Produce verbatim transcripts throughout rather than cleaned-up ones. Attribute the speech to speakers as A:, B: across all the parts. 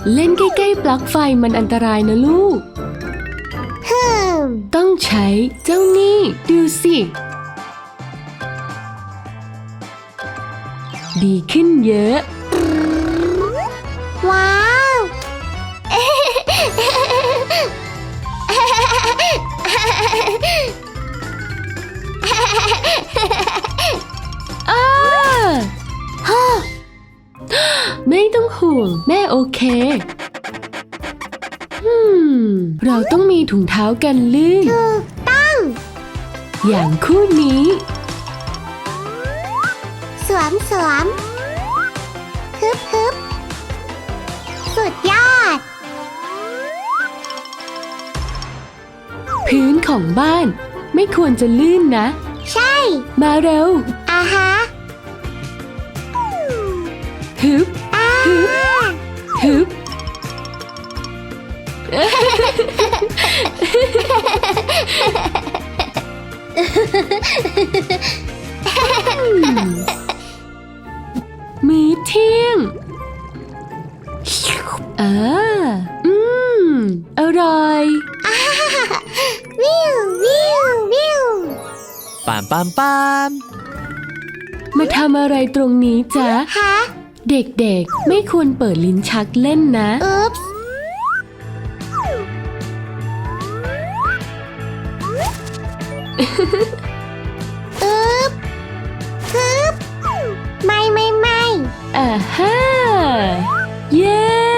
A: เล่นใกล้ๆปลั๊กไฟมันอันตรายนะลูกต้องใช้เจ้านี่ดูสิดีขึ้นเยอะ
B: ว้าว
A: อ้าฮ่าไม่ต้องห่วงแม่โอเคอืมเราต้องมีถุงเท้ากันลื่น
B: ถูกต้อง
A: อย่างคู่นี้
B: สวมสวมฮึบฮึบสุดยอด
A: พื้นของบ้านไม่ควรจะลื่นนะ
B: ใช่
A: มาเร็ว
B: อาฮะ
A: ฮึบ
B: อา
A: ฮึบ ฮึบ มื้อเที่ยงอ่าอืม อร่อย
B: วิววิววิว
C: ปามปามปาม
A: มาทำอะไรตรงนี้จ๊ะ
B: ฮะ
A: เด็กๆ ไม่ควรเปิดลิ้นชักเล่นนะ
B: อุ๊ปส์อุ๊บฮึบไม่ไม่ไม่
A: อ่าฮ่า เย้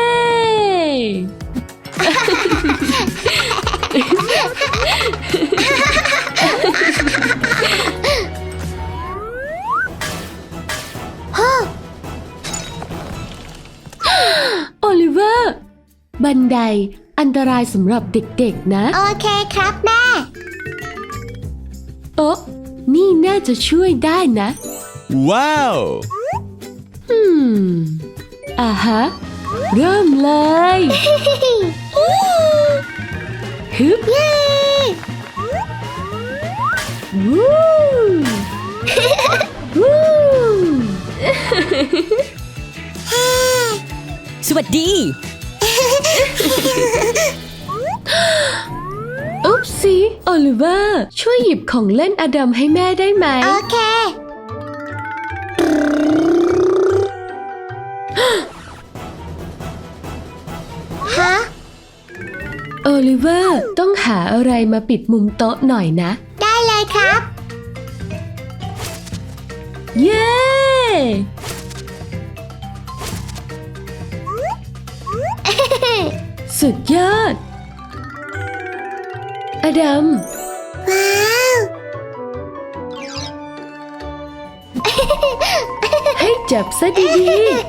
A: โอลิเวอร์ บันไดอันตรายสำหรับเด็กๆนะ
B: โอเคครับแม่
A: โอ๊ะนี่น่าจะช่วยได้นะ
C: ว้าว
A: อืม อ่าฮะ เริ่มเลย ฮึบ
B: เย้
A: วู้ วู้
D: สวัสดี
A: อุ๊บสิโอลิเวอร์ช่วยหยิบของเล่นอดัมให้แม่ได้ไหม
B: โอเค ฮะ
A: โอลิเวอร์ต้องหาอะไรมาปิดมุมโต๊ะหน่อยนะ
B: ได้เลยครับ
A: เย้ สุดยอด อดัม
B: ว้าว
A: ให้จับซะดี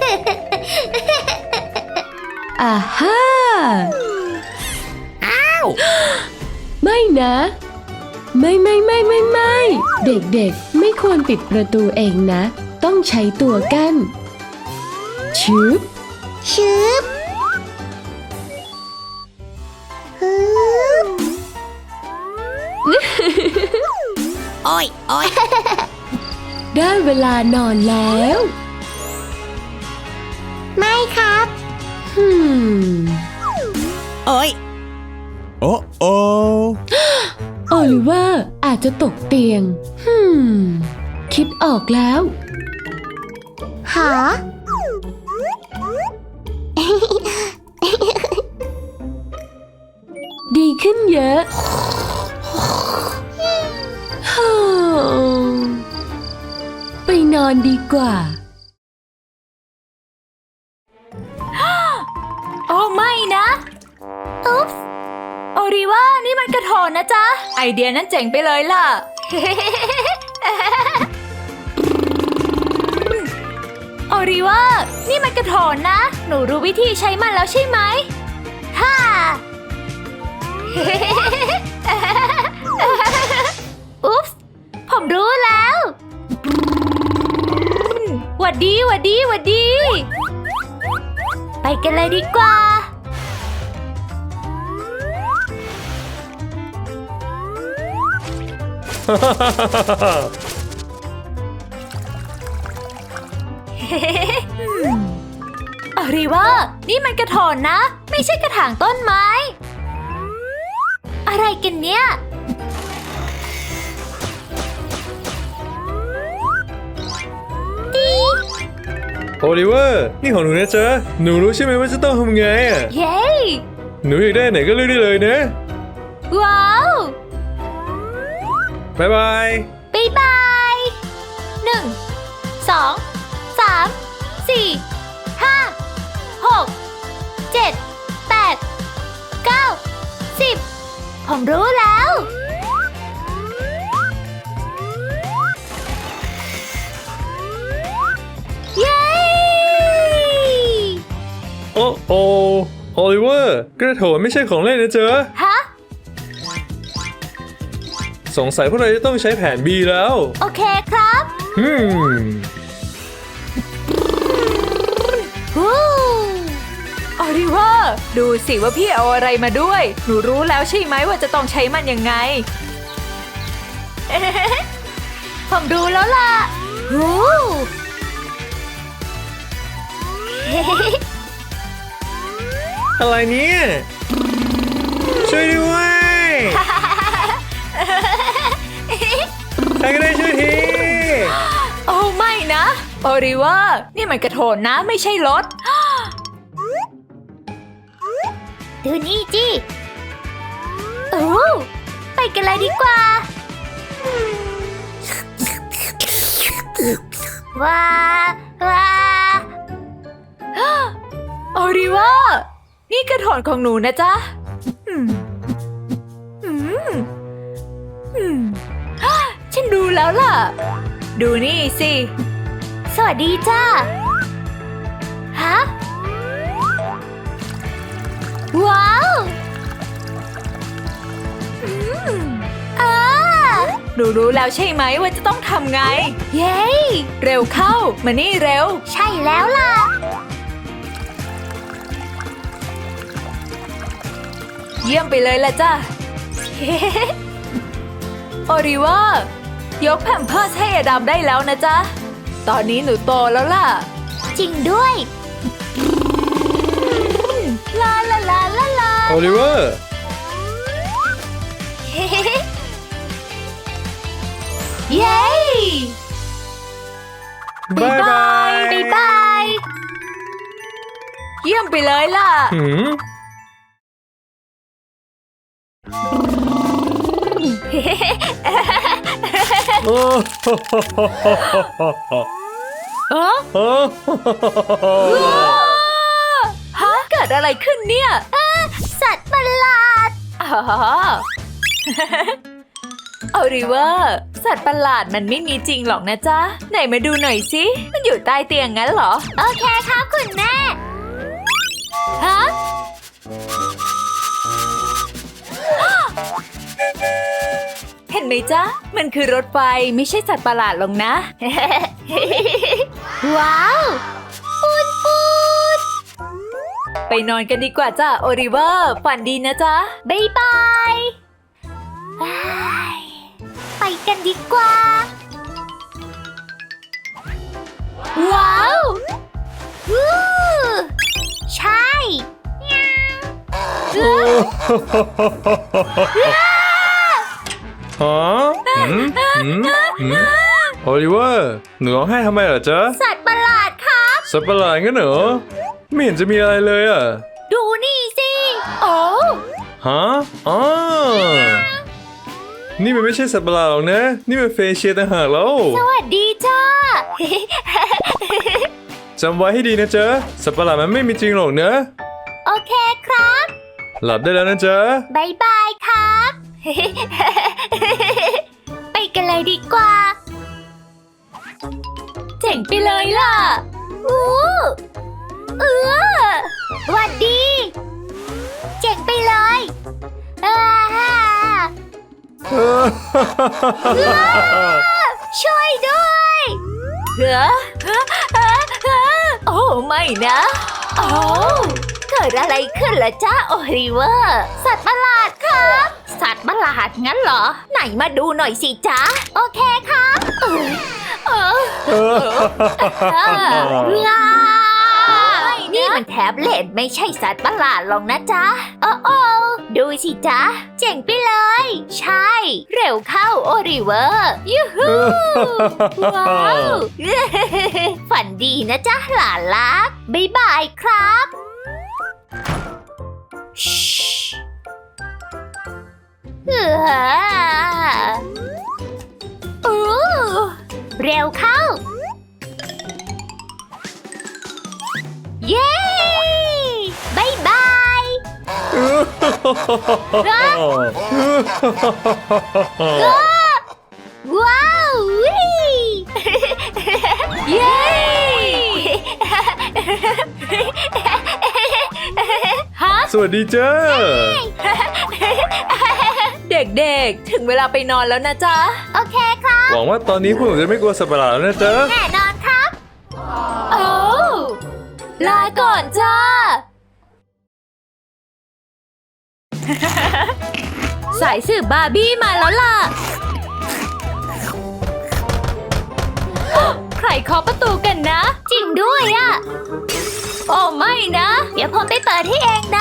A: ๆอ่าฮ่า
D: อ้าว
A: ไม่นะ ไม่ไม่ไม่ไม่ไม่เด็กๆไม่ควรปิดประตูเองนะ ต้องใช้ตัวกั้นชืบ
B: ชืบฮึบ
D: โอ้ยโอ้ย
A: ได้เวลานอนแล้ว
B: ไม่ครับ
A: ฮึม
D: โอ้ย
C: โอ้โอ
A: โอลิเวอร์อาจจะตกเตียงฮึมคิดออกแล้ว
B: หา
A: ดีขึ้นเยอะฮ่าไปนอนดีกว่า
E: โอ้ไม่นะ อุ๊ปส์โอริว่านี่มันกระโถนนะจ๊ะ ไอเดียนั้นเจ๋งไปเลยล่ะ โอริว่านี่มันกระโถนนะ หนูรู้วิธีใช้มันแล้วใช่ไหมฮ่า อุ๊ปส์ผมรู้แล้วหวัดดีหวัดดีหวัดดี ไปกันเลยดีกว่า อ่าริว่านี่มันกระโถนนะ ไม่ใช่กระถางต้นไม้ อะไรกันเนี่ย
F: โอลิเวอร์นี่ของหนูนะจ๊ะหนูรู้ใช่ไหมว่าจะต้องทำไงอ่ะ
E: เย้
F: หนูอยากได้ไหนก็เลือกได้เลยนะ
E: ว้าว
F: บ๊ายบาย
E: บ๊ายบายหนึ่งสองสามสี่ห้าหกเจ็ดแปดเก้าสิบผมรู้แล้ว เย้
F: โอ้โอโอลิเวอร์กระโถนไม่ใช่ของเล่นนะจ๊ะ
E: ฮะ
F: สงสัยพวกเราจะต้องใช้แผน B แล้ว
E: โอเคครับ
F: ฮึม
E: ฮู้ออริเวอร์ดูสิว่าพี่เอาอะไรมาด้วย หนูรู้แล้วใช่ไหมว่าจะต้องใช้มันยังไง ผมดูแล้วล่ะฮู้
F: อะไรเนี่ยช่วยด้วยใครก็ได้ช่วยที
E: โอ้ไม่นะออริเวอร์นี่มันกระโถนนะไม่ใช่รถ ดูนี่จิโอ้ไปกันเลยดีกว่า ว้าว้า ออริเวอร์นี่กระโถนของหนูนะจ๊ะอืมอืมอืมฮ่าฉันดูแล้วล่ะ ดูนี่สิ สวัสดีจ้าฮะ ว้าวอืมอ่าหนูรู้แล้วใช่ไหมว่าจะต้องทำไง เย้ เร็วเข้า มานี่เร็ว ใช่แล้วล่ะ เยี่ยมไปเลยล่ะจ้ะ โอริเวอร์ยกแผ่นเพิร์สให้อดัมได้แล้วนะจ๊ะ ตอนนี้หนูโตแล้วล่ะ จริงด้วย ลาลาลาลาลา
F: โอลิเวอร์
E: เย้
F: บายบาย
E: บ๊ายบาย เยี่ยมไปเลยล่ะ
F: หืมโอ้
E: เออ
F: โอ้
E: ฮะเกิดอะไรขึ้นเนี่ยสัตว์ประหลาดอ๋อ โอริเวอร์สัตว์ประหลาดมันไม่มีจริงหรอกนะจ๊ะ ไหนมาดูหน่อยสิ มันอยู่ใต้เตียงงั้นเหรอ โอเคครับคุณแม่ ฮะ เห็นไหมจ๊ะ มันคือรถไฟไม่ใช่สัตว์ประหลาดหรอกนะ ว้าวปูดปูดไปนอนกันดีกว่าจ้ะโอริเวอร์ฝันดีนะจ๊ะ บ๊ายบายไปกันดีกว่า ว้าววู้ใช่
F: ฮะหืมหืมหืมโอลิเวอร์หนูร้องไห้ทำไมเหรอจ๊ะ
E: สัตว์ประหลาดครับ
F: สัตว์ประหลาดงั้นเหรอไม่เห็นจะมีอะไรเลยอ่ะ
E: ดูนี่สิ โอ้
F: ฮะอ๋อนี่มันไม่ใช่สัตว์ประหลาดหรอกนะ นี่มันเฟเชียต่างหากแล้ว
E: สวัสดีจ้า
F: จำไว้ให้ดีนะจ๊ะสัตว์ประหลาดมันไม่มีจริงหรอกนะ
E: โอเคครับ
F: หลับได้แล้วนะจ๊ะ
E: บายบายครับ ไปกันเลยดีกว่า เจ๋งไปเลยล่ะอู้เออหวัดดี เจ๋งไปเลยอ่าช่วยด้วยเหรอโอ้ไม่นะโอ้เกิดอะไรขึ้นล่ะจ้าโอริเวอร์สัตว์ประหลาดครับ สัตว์ประหลาดงั้นเหรอ ไหนมาดูหน่อยสิจ๊ะ โอเคครับเออเออเออเออนี่นี่มันแท็บเล็ตไม่ใช่สัตว์ประหลาดหรอกนะจ๊ะ โอ้โอ้ดูสิจ๊ะ เจ๋งไปเลย ใช่ เร็วเข้าโอริเวอร์ยูฮูว้าว ฝันดีนะจ๊ะหลานรัก บ๊ายบายครับเอออู้เร็วเข้า เย้บายบายว้าววิเย้ฮะ
F: สวัสดีเจ้า
E: เด็กๆ ถึงเวลาไปนอนแล้วนะจ๊ะ โอเคครับ
F: หวังว่าตอนนี้พวกหนูจะไม่กลัวสัตว์ประหลาดแล้วนะเจ้า
E: แน่นอนครับโอ้ลาก่อนจ้า สายสืบบาร์บี้มาแล้วล่ะ ใครเคาะประตูกันนะ จริงด้วยอะโอ้ไม่นะ เดี๋ยวผมไปเปิดให้เองนะ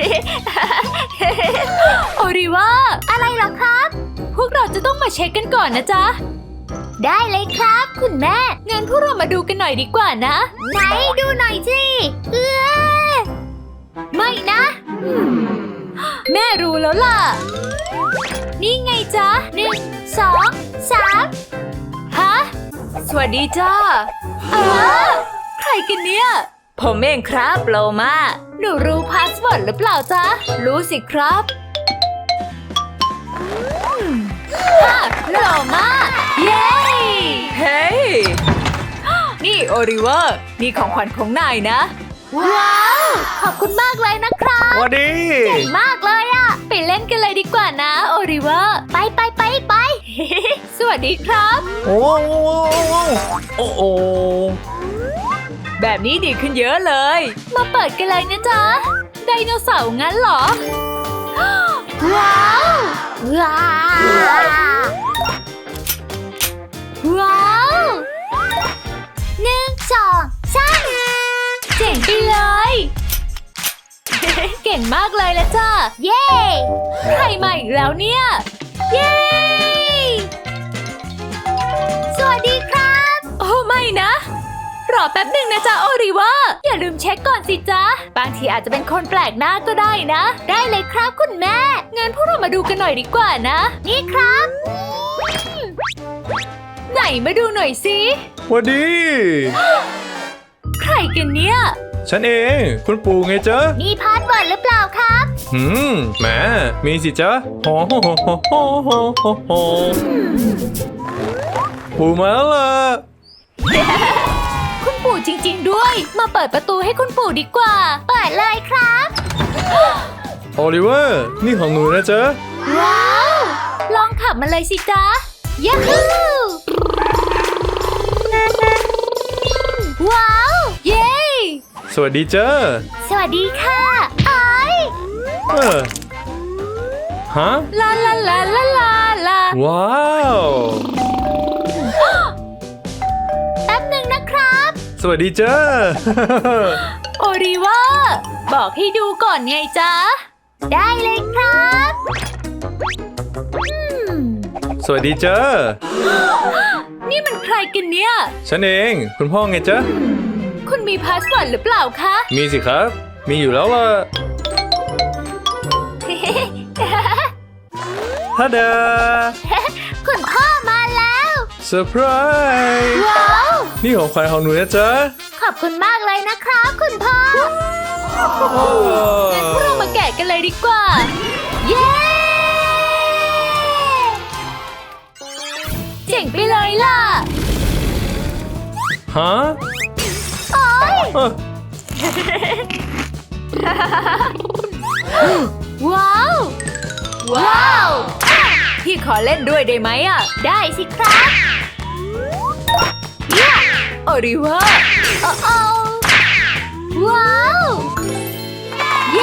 E: โอริว่าอะไรหรอครับ พวกเราจะต้องมาเช็คกันก่อนนะจ๊ะ ได้เลยครับ คุณแม่งั้นพวกเรามาดูกันหน่อยดีกว่านะ ไหนดูหน่อยสิเออไม่นะอืมแม่รู้แล้วล่ะ นี่ไงจ๊ะหนึ่งสองสามฮะ สวัสดีจ้าอ้าใครกันเนี่ย ผมเองครับโลมาหนูรู้พาสเวิร์ดหรือเปล่าจ๊ะ รู้สิครับฮะโลมาเย้ เฮ้ย นี่โอริเวอร์ นี่ของขวัญของนายนะ ว้าว ขอบคุณมากเลยนะครับ
F: สวัสดี
E: เก่งมากเลยอะไปเล่นกันเลยดีกว่านะโอริเวอร์ ไปไปไปไป สวัสดีครับ
F: โอ้โอ้โอ้โอ้
E: แบบนี้ดีขึ้นเยอะเลย มาเปิดกันเลยนะจ๊ะ ไดโนเสาร์งั้นเหรอ ว้าว ว้าว ว้าวหนึ่งสองสามเจ๋งไปเลย เก่งมากเลยละจ้าเย้ ใครมาอีกแล้วเนี่ย เย้ สวัสดีครับ โอ้ไม่นะ รอแป๊บหนึ่งนะจ๊ะโอริว่าอย่าลืมเช็คก่อนสิจ๊ะ บางทีอาจจะเป็นคนแปลกหน้าก็ได้นะ ได้เลยครับคุณแม่งั้นพวกเรามาดูกันหน่อยดีกว่านะ นี่ครับอืมไหนมาดูหน่อยสิ
F: สวัสดี
E: ใครกันเนี่ย
F: ฉันเอง คุณปู่ไงเจ้า
E: มีพาสเวิร์ดหรือเปล่าครับ
F: หืมแหมมีสิเจ้าโฮโฮโฮโฮโฮโฮโฮปู่มาแล้วล่ะ
E: คุณปู่จริงๆด้วย มาเปิดประตูให้คุณปู่ดีกว่า เปิดเลยครับ
F: โอลิเวอร์ นี่ของหนูนะเจ้า
E: ว้าว ลองขับมาเลยสิจ๊ะยาฮูว้าว เย้
F: สวัสดีเจ้า
E: สวัสดีค่ะไออย
F: เออฮะ
E: ลาลาลาลาลาลา
F: ว้าว
E: แป๊บหนึ่งนะครับ
F: สวัสดีเจ้า
E: โอริว่าบอกให้ดูก่อนไงจ๊ะ ได้เลยครับอืม
F: สวัสดีเจ้า
E: นี่มันใครกันเนี่ย
F: ฉันเอง คุณพ่อไงจ๊ะ
E: คุณมีพาสเวิร์ดหรือเปล่าคะ
F: มีสิครับ มีอยู่แล้วล่ะฮัดดา
E: คุณพ่อมาแล้ว
F: เซอร์ไพรส์
E: ว้าว
F: นี่ของขวัญของหนูนะจ๊ะ
E: ขอบคุณมากเลยนะครับคุณพ่อ งั้นพวกเรามาแกะกันเลยดีกว่า เย้ เจ๋งไปเลยล่ะ
F: ฮะ
E: โอ๊ย
F: เอ้อ
E: ว้าว ว้าว พี่ขอเล่นด้วยได้ไหมอ่ะ ได้สิครับย่าโอริเวอร์โอ้โอ้ว้าว เย้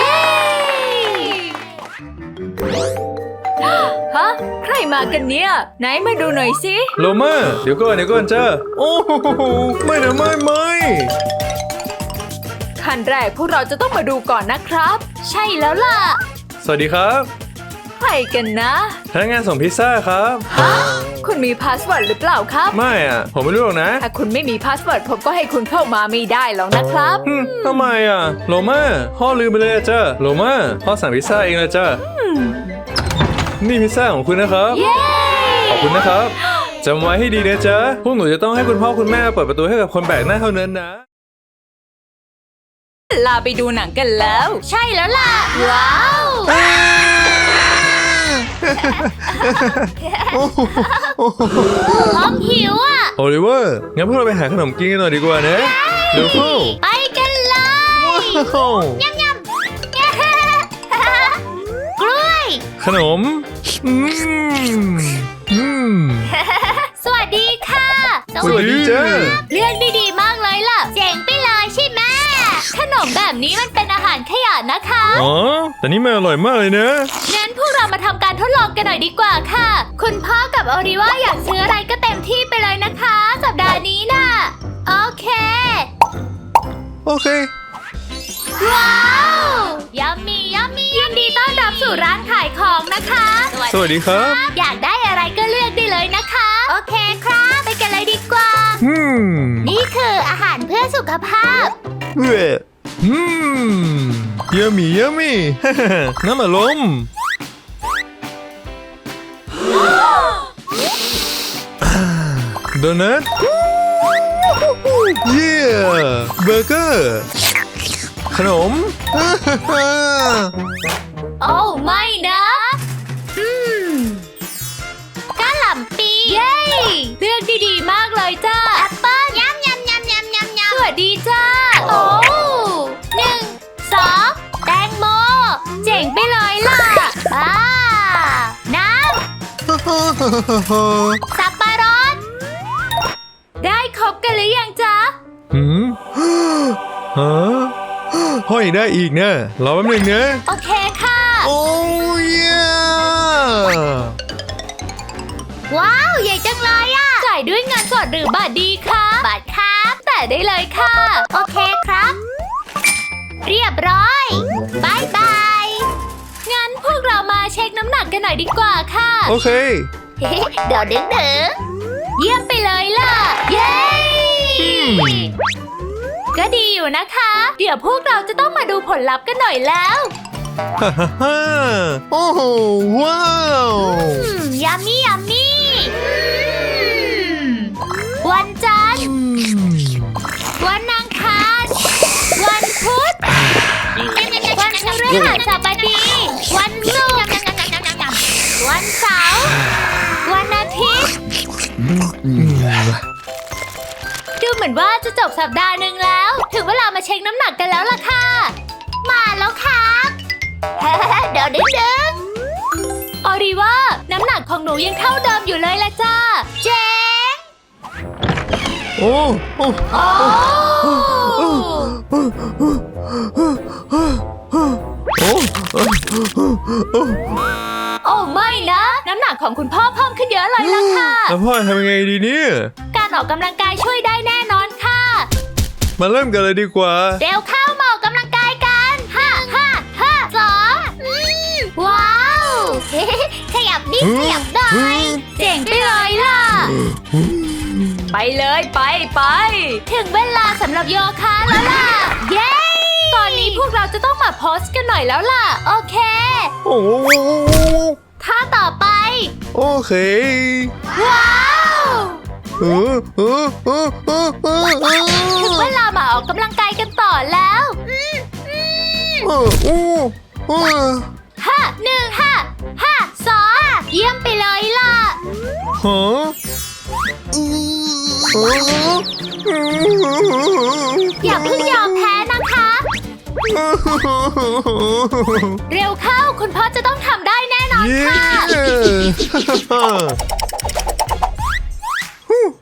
E: ฮะ ใครมากันเนี่ย ไหนมาดูหน่อยสิ
F: โลมาเดี๋ยวก่อนเดี๋ยวก่อนจ้าโอ้โหไม่นะไม่ไม่
E: ขั้นแรกพวกเราจะต้องมาดูก่อนนะครับ ใช่แล้วล่ะ
F: สวัสดีครับ
E: ใครกันนะ
F: พนักงานส่งพิซซ่าครับ
E: คุณมีพาสเวิร์ดหรือเปล่าครับ
F: ไม่อ่ะ ผมไม่รู้หรอกนะ
E: ถ้าคุณไม่มีพาสเวิร์ดผมก็ให้คุณเข้ามาไม่ได้หรอกนะครับ
F: ฮึมทำไมอ่ะ โลมาพ่อลืมไปเลยอะจ้ะโลมาพ่อสั่งพิซซ่าเองเลยจ้ะนี่พิซซ่าของคุณนะครับ
E: เย้
F: ขอบคุณนะครับจำไว้ให้ดีนะจ๊ะ พวกหนูจะต้องให้คุณพ่อคุณแม่เปิดประตูให้กับคนแปลกหน้าเท่านั้นนะ
E: ลาไปดูหนังกันแล้ว ใช่แล้วล่ะ ว้าวท้องหิวอ่ะ
F: โอลิเวอร์ งั้นพวกเราไปหาขนมกินกันหน่อยดีกว่านะเร็วเข้า
E: ไปกันเลย
F: ว้าว
B: ยำยำกล้วย
F: ขนม อืม อืม
E: สวัสดีค่ะ
F: สวัสดีจ้า
E: เลือกดีๆมากเลยล่ะ
B: เจ๋งไปเลยใช่ไหม
E: ขนมแบบนี้มันเป็นอาหารขยะนะคะ
F: อ๋อ แต่นี่มันอร่อยมากเลยนะ
E: งั้นพวกเรามาทำการทดลองกันหน่อยดีกว่าค่ะ คุณพ่อกับโอริว่าอยากซื้ออะไรก็เต็มที่ไปเลยนะคะ สัปดาห์นี้น่ะ โอเค
F: โอเค
E: ว้าวยัมมี่ยัมมี่ยินดีต้อนรับสู่ร้านขายของนะคะ
F: สวัสดีครับ
E: อยากได้อะไรก็เลือกได้เลยนะคะ โอเคครับ ไปกันเลยดีกว่า
F: อืม
B: นี่คืออาหารเพื่อสุขภาพ
F: เว้ยอืมเยอะมี่เยอะมี่ น้ำอารมณ์โดนัทเย้เบอร์เกอร์ ขนม
E: โอ้ไม่นะอืมกะหล่ำปีเย้เลือกดีๆมากเลยจ้า
B: แอปเปิ้ลยำยำยำยำยำย
E: สวัสดีจ้า โอ้หนึ่งสองแตงโม เจ๋งไปเลยล่ะอ่าน้ำสับปะรด ได้ครบกันหรือยังจ๊ะ
F: หืมฮะห้อยได้อีกนะรอแป๊บหนึงนะ
E: โอเคค่ะ
F: โอ้ย
B: ำว้าว ใหญ่จังเลยอ่ะ
E: จ่ายด้วยเงินสดหรือบัตรดีคะบัตรครับแต่ได้เลยค่ะ
B: โอเคครับ เรียบร้อยบายบาย
E: งั้นพวกเรามาเช็คน้ำหนักกันหน่อยดีกว่าค่ะ
F: โอเค
B: เดี๋ยวดึงดึง
E: เยี่ยมไปเลยล่ะ เย้
F: ม
E: ก็ดีอยู่นะคะ เดี๋ยวพวกเราจะต้องมาดูผลลัพธ์กันหน่อยแล้ว
F: ฮ่าฮ่าฮ่าโอ้โหว้าว
B: อืมยัมมี่ยัมมี่
E: วันจันทร์ วันอังคาร วันพุธ วันพฤหัสบดี วันศุกร์ วันเสาร์ วันอาทิตย์ ดูเหมือนว่าจะจบสัปดาห์หนึ่งแล้ว ถึงเวลามาเช็คน้ำหนักกันแล้วล่ะค่ะ
B: มาแล้วครับ เดี๋ยวดึงดึง
E: ออริว่าน้ำหนักของหนูยังเท่าเดิมอยู่เลยละจ้า
B: เจ๋ง
F: โอ้โอ้
E: โอ้
F: โอ้
E: โอ้ไม่นะ น้ำหนักของคุณพ่อเพิ่มขึ้นเยอะเลยล่ะค่ะ
F: แล้วพ่อทำยังไงดีเนี่ย
E: การออกกำลังกายช่วยได้แน่นอนค่ะ
F: มาเริ่มกันเลยดีกว่า
E: เร็วเข้ามาออกกำลังกายกันห้าห้าห้า
B: สองอืมว้าว ขยับนิดขยับหน่อย
E: เจ๋งไปเลยล่ะ ไปเลยไปไป ถึงเวลาสำหรับโยคะแล้วล่ะ เย้ ตอนนี้พวกเราจะต้องมาโพสกันหน่อยแล้วล่ะ โอเค
F: โอ้
E: ท่าต่อไป
F: โอเค
E: ว้าว
F: เออเออเออเออเออเอ
E: ถึงเวลามาออกกำลังกายกันต่อแล้ว
F: อโอ้โอ้
E: ห้าหนึ่งห้าห้าสองเยี่ยมไปเลยล่ะ
F: ฮะ
E: อย่าเพิ่งยอมแพ้นะคะ เร็วเข้าคุณพ่อจะต้องทำได้แน่นอน
F: เย้
E: ค่ะ
F: ฮู้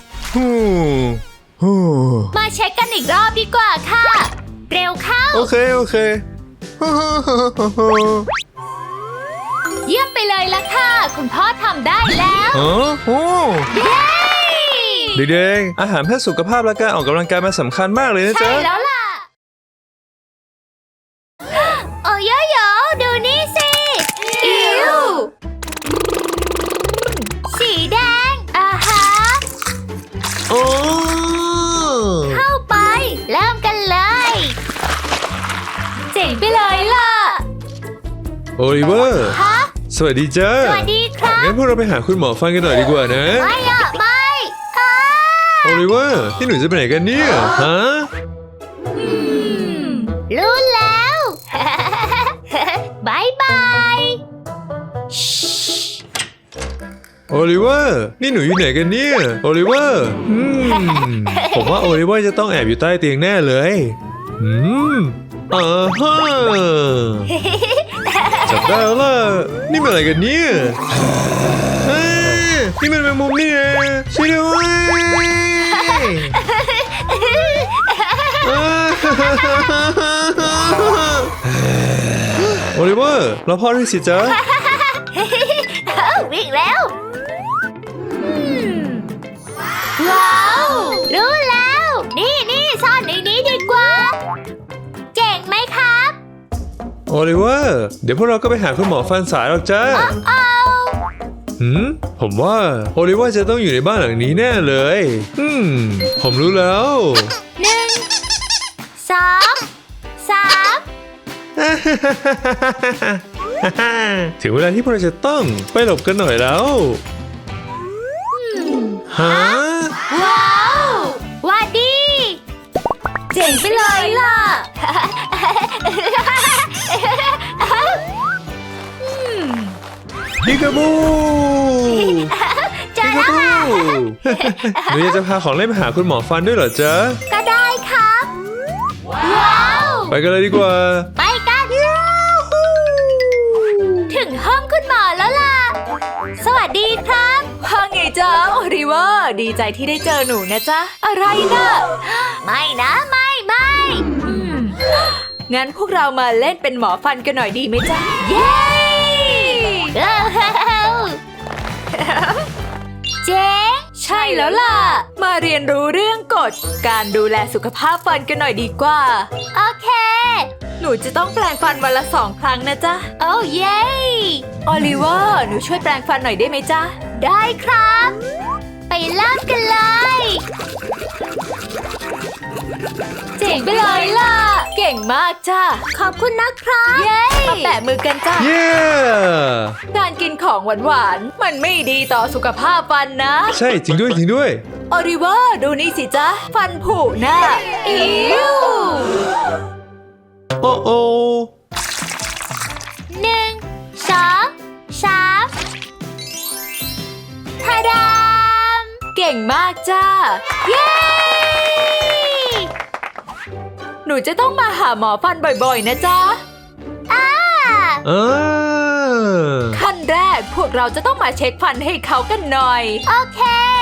F: ฮู้
E: มาเช็คกันอีกรอบดีกว่าค่ะ เร็วเข้า
F: โอเค โอเค
E: เยี่ยมไปเลยล่ะค่ะ คุณพ่อทำได้แล้ว
F: อ๋อโอ้
E: เย้
F: เด็กๆอาหารเพื่อสุขภาพและการออกกำลังกายมันสำคัญมากเลยนะ
E: ใช่
F: จ๊ะ
E: แล้วล่ะ
F: โอลิเวอร์
B: ฮะ
F: สวัสดีจ้า
B: สวัสดีครับ
F: งั้นพวกเราไปหาคุณหมอฟันกันหน่อยดีกว่านะ
B: ไม่อะไม่ค่ะ
F: โอลิเวอร์ที่หนูจะไปไหนกันเนี่ย ฮะ
B: รู้แล้ว บายบาย
F: โอลิเวอร์นี่หนูอยู่ไหนกันเนี่ย โอลิเวอร์อืมผมว่าโอลิเวอร์จะต้องแอบอยู่ใต้เตียงแน่เลยอืมอ่าฮะจับได้แล้วล่ะนี่มันอะไรกันเนี่ยเอ้ยนี่มันแมงมุมนี่ไงช่วยด้วยโอลิเวอร์เราพ่อด้วยสิจ๊ะ
B: วิ่งแล้วว้าวรู้แล้ว นี่นี่ซ่อนในนี้ดีกว่า เก่งไหมครับ
F: โอลิเวอร์เดี๋ยวพวกเราก็ไปหาคุณหมอฟันสายหรอกจ้า
B: เอา
F: หืมผมว่าโอลิเวอร์จะต้องอยู่ในบ้านหลังนี้แน่เลยอืมผมรู้แล้ว
B: หนึ่งสองสาม
F: ถึงเวลาที่พวกเราจะต้องไปหลบกันหน่อยแล้วฮะ
B: ว้าวหวัดดี เจ๋งไปเลยล่ะ
F: พิกาบู
B: เจอแล้วค่ะ
F: หนูอยากจะพาของเล่นไปหาคุณหมอฟันด้วยเหรอจ๊ะ
B: ก็ได้ครับ ว้าว
F: ไปกันเลยดีกว่า
B: ไปกัน ถึงห้องคุณหมอแล้วล่ะ สวัสดีครับ
E: ว่าไงจ๊ะโอริเวอร์ดีใจที่ได้เจอหนูนะจ๊ะ อะไรนะ
B: ไม่นะไม่ไม่
E: อืมงั้นพวกเรามาเล่นเป็นหมอฟันกันหน่อยดีไหมจ๊ะ
B: เย้เจ๋ง
E: ใช่แล้วล่ะ มาเรียนรู้เรื่องกฎการดูแลสุขภาพฟันกันหน่อยดีกว่า
B: โอเค
E: หนูจะต้องแปรงฟันวันละสองครั้งนะจ๊ะ
B: โอ้เย้
E: โอลิเวอร์หนูช่วยแปรงฟันหน่อยได้ไหมจ๊ะ
B: ได้ครับ ไปเริ่มกันเลย
E: เจ๋งไปเลยล่ะ เก่งมากจ้ะ
B: ขอบคุณนะครับ
E: เย้ มาแปะมือกันจ้ะ
F: เย้
E: การกินของหวานๆ มันไม่ดีต่อสุขภาพฟันนะ
F: ใช่จริงด้วยจริงด้วย
E: โอลิเวอร์ดูนี่สิจ๊ะ ฟันผุน่ะอิ๊ว
F: โอ้โอ
B: หนึ่งสองสามทาดาม
E: เก่งมากจ้า
B: เย้
E: หนูจะต้องมาหาหมอฟันบ่อยๆ นะจ๊ะ
B: อ่า
F: อ่า
E: ขั้นแรกพวกเราจะต้องมาเช็คฟันให้เขากันหน่อย
B: โอเค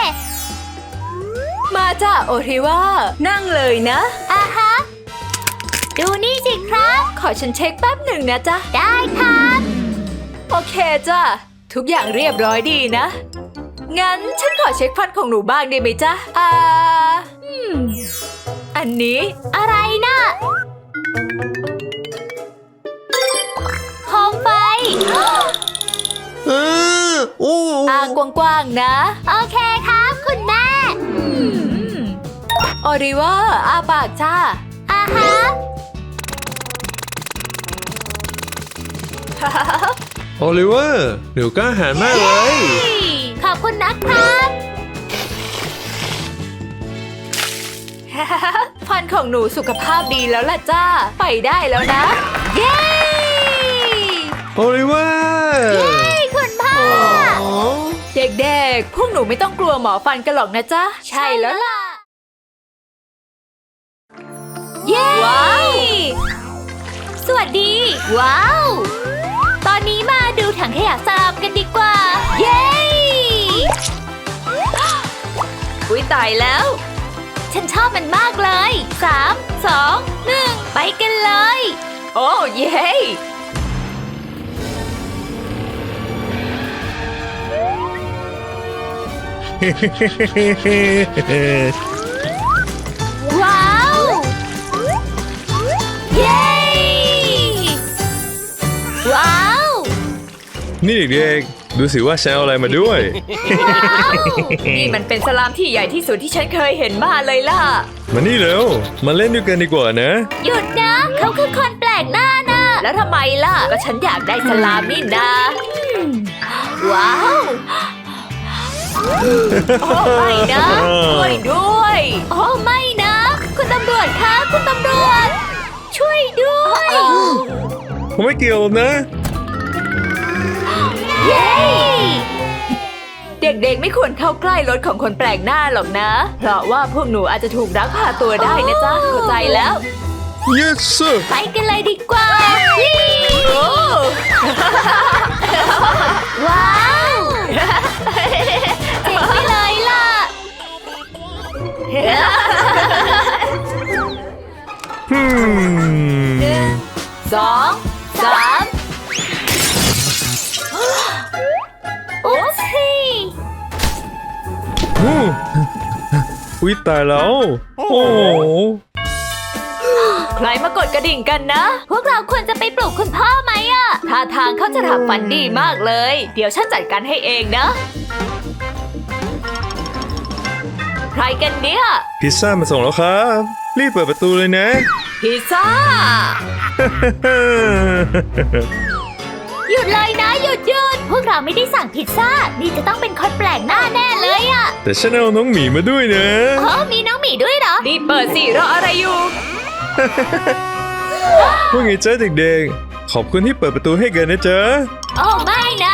E: มาจ้าโอริเวอร์นั่งเลยนะ
B: อ่าฮะ ดูนี่สิครับ
E: ขอฉันเช็คแป๊บหนึ่งนะจ๊ะ
B: ได้ครับ
E: โอเคจ้ะ ทุกอย่างเรียบร้อยดีนะ งั้นฉันขอเช็คฟันของหนูบ้างได้ไหมจ๊ะ อ่าอืม อันนี้
B: อะไรนะโคมไฟ
F: อ่าโอ้
E: อ่างกว้างๆนะ
B: โอเคครับคุณแม่
E: โอริเวอร์อาปากจ้า
B: อ่าฮะ
F: โอลิเวอร์หนูกล้าหาญมากเลย
B: ขอบคุณนะครับ
E: ฟันของหนูสุขภาพดีแล้วล่ะจ้า ไปได้แล้วนะ เย้
F: โอลิเวอร์
B: ให้คุณพ่อ
E: เด็กๆ พวกหนูไม่ต้องกลัวหมอฟันกันหรอกนะจ๊ะ ใช่แล้วล่ะ
B: เย้
E: ว้าว
B: สวัสดี ว้าว ตอนนี้มาดูถังขยะสลับกันดีกว่า เย้
E: อุ๊ยตายแล้ว
B: ฉันชอบมันมากเลยสามสองหนึ่งไปกันเลย
E: โอ้เย้
B: ว้าว เย้ ว้าว
F: นี่เด็กๆดูสิว่าฉันเอาอะไรมาด้วย
E: นี่มันเป็นสลามที่ใหญ่ที่สุดที่ฉันเคยเห็นมาเลยล่ะ
F: มานี่เร็ว มาเล่นด้วยกันดีกว่านะ
B: หยุดนะ เขาคือคนแปลกหน้านะ
E: แล้วทำไมล่ะ ก็ฉันอยากได้สลามนี่นะว้าวโอ้ไม่นะช่วยด้วยโอ้ไม่นะ คุณตำรวจคะคุณตำรวจ ช่วยด้วย
F: ผมไม่เกี่ยวนะ
E: เย้ เด็กๆไม่ควรเข้าใกล้รถของคนแปลกหน้าหรอกนะ เพราะว่าพวกหนูอาจจะถูกลักพาตัวได้นะจ๊ะ เข้าใจแล้ว
F: yes sir
B: ไปกันเลยดีกว่า
E: โอ้
B: ว้าวเจ๋งไปเลยล่ะ
F: hmm
E: สองสาม
B: อุ๊บสิ
F: อู้อุ๊ยตายแล้ว โอ้โห
E: ใครมากดกระดิ่งกันนะ
B: พวกเราควรจะไปปลุกคุณพ่อไหมอะ
E: ท่าทางเขาจะทำฝันดีมากเลย เดี๋ยวฉันจัดการให้เองนะ ใครกันเนี่ย
F: พิซซ่ามาส่งแล้วครับ รีบเปิดประตูเลยนะ
E: พิซซ่า
B: หยุดเลยนะหยุดหยุดพวกเราไม่ได้สั่งพิซซ่า นี่จะต้องเป็นคนแปลกหน้าแน่เลยอะ
F: แต่ฉันเอาน้องหมีมาด้วยนะ
B: เออมีน้องหมีด้วยเหรอ
E: รีบเปิดสิรออะไรอยู่
F: ว่าไงจ๊ะเด็กๆ ขอบคุณที่เปิดประตูให้กันนะจ๊ะ
B: โอ้ไม่นะ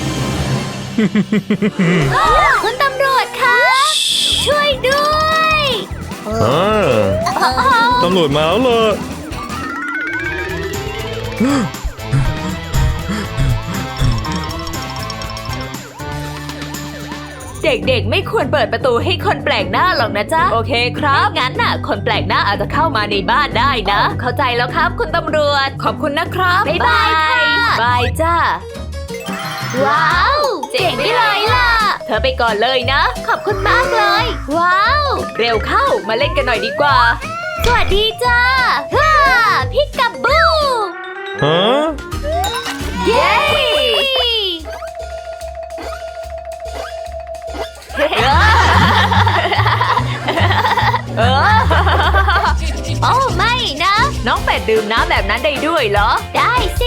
B: คุณตำรวจคะ ช่วยด้วย
F: อ่าตำรวจมาแล้วเหรอ
E: เด็กๆไม่ควรเปิดประตูให้คนแปลกหน้าหรอกนะจ๊ะ โอเคครับ งั้นน่ะ คนแปลกหน้าอาจจะเข้ามาในบ้านได้นะ เข้าใจแล้วครับคุณตำรวจ ขอบคุณนะครับ
B: บ๊ายบายค่ะ
E: บายจ้า
B: ว้าว เจ๋งไปเลยล่ะ
E: เธอไปก่อนเลยนะ
B: ขอบคุณมากเลย ว้าว
E: เร็วเข้ามาเล่นกันหน่อยดีกว่า
B: สวัสดีจ้าฮ่าพิกกับู
F: ฮะ
B: เย้
E: เออ
B: โอ้ไม่นะ
E: น้องเป็ดดื่มน้ำแบบนั้นได้ด้วยเหรอ
B: ได้สิ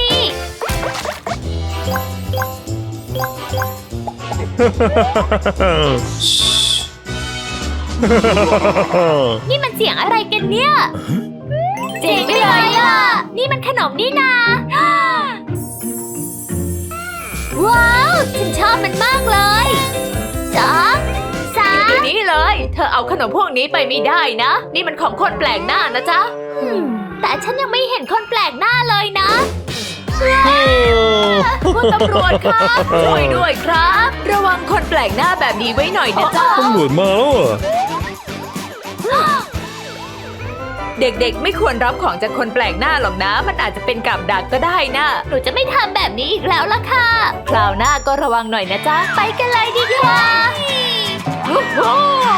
B: นี่มันเสียงอะไรกันเนี่ย เจ๋งไปเลยล่ะ นี่มันขนมนี่นา ว้าว ฉันชอบมันมากเลยสองสา
E: เดี๋ย
B: ม
E: วนี้เลย เธอเอาขนมพวกนี้ไปไม่ได้นะ นี่มันของคนแปลกหน้านะจ๊ะ
B: แต่ฉันยังไม่เห็นคนแปลกหน้าเลยนะ
E: คุณตำรวจครับช่วยด้วยครับ ระวังคนแปลกหน้าแบบนี้ไว้หน่อยนะจ๊ะ
F: ตำรวจมาแล้วเหรอ
E: เด็กๆไม่ควรรับของจากคนแปลกหน้าหรอกนะ มันอาจจะเป็นกับดักก็ได้นะ
B: หนูจะไม่ทำแบบนี้อีกแล้วล่ะค่ะ
E: คราวหน้าก็ระวังหน่อยนะจ๊ะ
B: ไปกันเลยดีกว่า
E: โอ้โห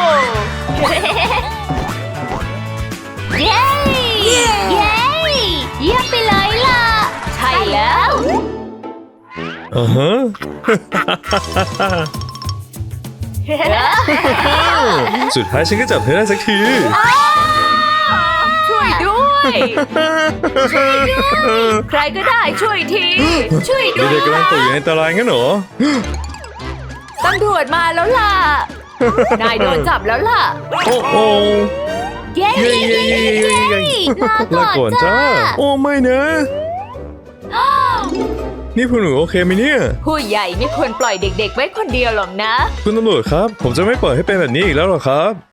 B: เย้ เย้ เยี่ยมไปเลยล่ะ
E: ใช่แล้ว
F: อ่าฮะ สุดท้ายฉันก็จับเธอได้สักที
E: ช่วยด้วย ใครก็ได้ช่วยที ช่วยด้วย
F: เด็กๆกำลังตกอยู่ในอันตรายงั้นเหรอ
E: ตำรวจมาแล้วล่ะ นายโดนจับแล้วล่ะ
F: โอ้โอ้
B: เย้
F: เย้เย้เย้เย้เย้
B: ลา
F: ลา
B: ก่
F: ก่
B: อ
F: อน น
B: จ้า
F: จ้า โอ้ไม่นะ นี่พวกหนูโอเคไหมเนี่ย
E: ผู้ใหญ่ไม่ควรปล่อยเด็กๆไว้คนเดียวหรอกนะ
F: คุณตำรวจครับ ผมจะไม่ปล่อยให้เป็นแบบนี้อีกแล้วหรอกครับ